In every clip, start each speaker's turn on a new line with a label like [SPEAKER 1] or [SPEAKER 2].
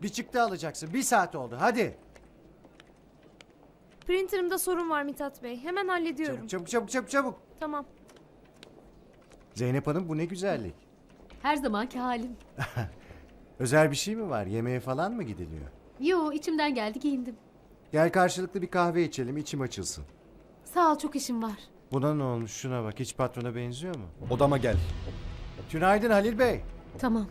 [SPEAKER 1] Bir çıktı alacaksın. 1 saat oldu. Hadi.
[SPEAKER 2] Printer'ımda sorun var Mithat Bey. Hemen hallediyorum.
[SPEAKER 1] Çabuk.
[SPEAKER 2] Tamam.
[SPEAKER 1] Zeynep Hanım, bu ne güzellik.
[SPEAKER 3] Her zamanki halim.
[SPEAKER 1] Özel bir şey mi var? Yemeğe falan mı gidiliyor?
[SPEAKER 3] Yo, içimden geldi, giyindim.
[SPEAKER 1] Gel karşılıklı bir kahve içelim, içim açılsın.
[SPEAKER 3] Sağ ol, çok işim var.
[SPEAKER 1] Buna ne olmuş? Şuna bak. Hiç patrona benziyor mu?
[SPEAKER 4] Odama gel.
[SPEAKER 1] Günaydın Halil Bey.
[SPEAKER 3] Tamam.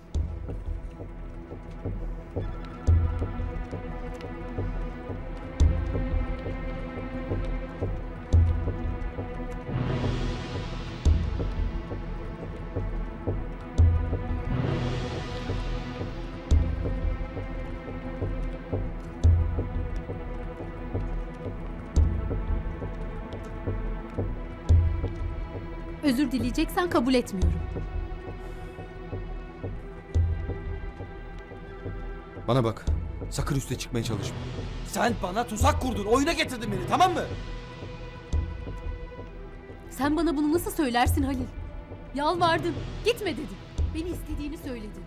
[SPEAKER 3] Özür dileyeceksen kabul etmiyorum.
[SPEAKER 4] Bana bak. Sakın üste çıkmaya çalışma.
[SPEAKER 5] Sen bana tuzak kurdun, oyuna getirdin beni, tamam mı?
[SPEAKER 3] Sen bana bunu nasıl söylersin Halil? Yalvardım, gitme dedim. Beni istediğini söyledin.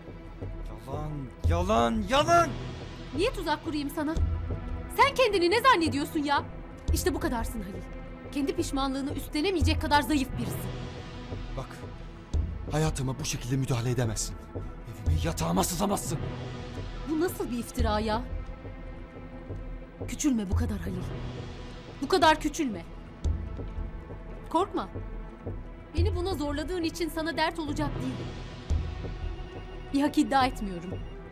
[SPEAKER 5] Yalan!
[SPEAKER 3] Niye tuzak kurayım sana? Sen kendini ne zannediyorsun ya? İşte bu kadarsın Halil. Kendi pişmanlığını üstlenemeyecek kadar zayıf birisin.
[SPEAKER 5] Bak, hayatıma bu şekilde müdahale edemezsin. Evime, yatağıma sızamazsın.
[SPEAKER 3] Bu nasıl bir iftira ya? Küçülme bu kadar Halil. Bu kadar küçülme. Korkma. Beni buna zorladığın için sana dert olacak değilim. Bir hak iddia etmiyorum.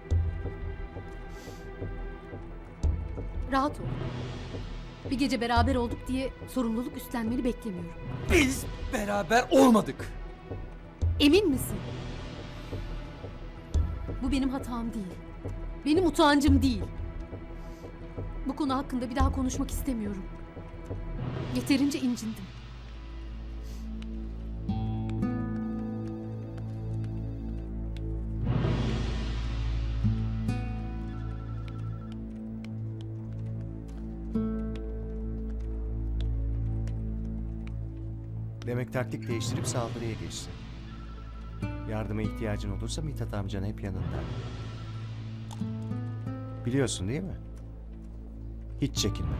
[SPEAKER 3] Rahat ol. Bir gece beraber olduk diye sorumluluk üstlenmeni beklemiyorum.
[SPEAKER 5] Biz beraber olmadık.
[SPEAKER 3] Emin misin? Bu benim hatam değil. Benim utancım değil. Bu konu hakkında bir daha konuşmak istemiyorum. Yeterince incindim.
[SPEAKER 1] Demek taktik değiştirip saldırıya geçti. Yardıma ihtiyacın olursa Mithat amcan hep yanında. Biliyorsun değil mi? Hiç çekinme.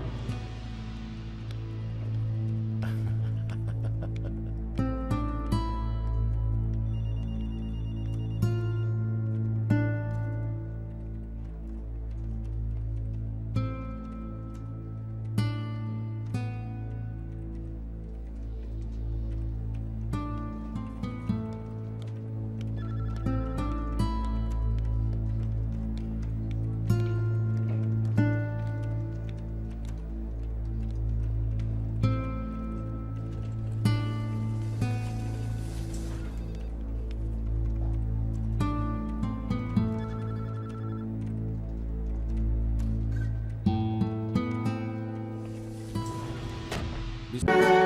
[SPEAKER 4] Biz...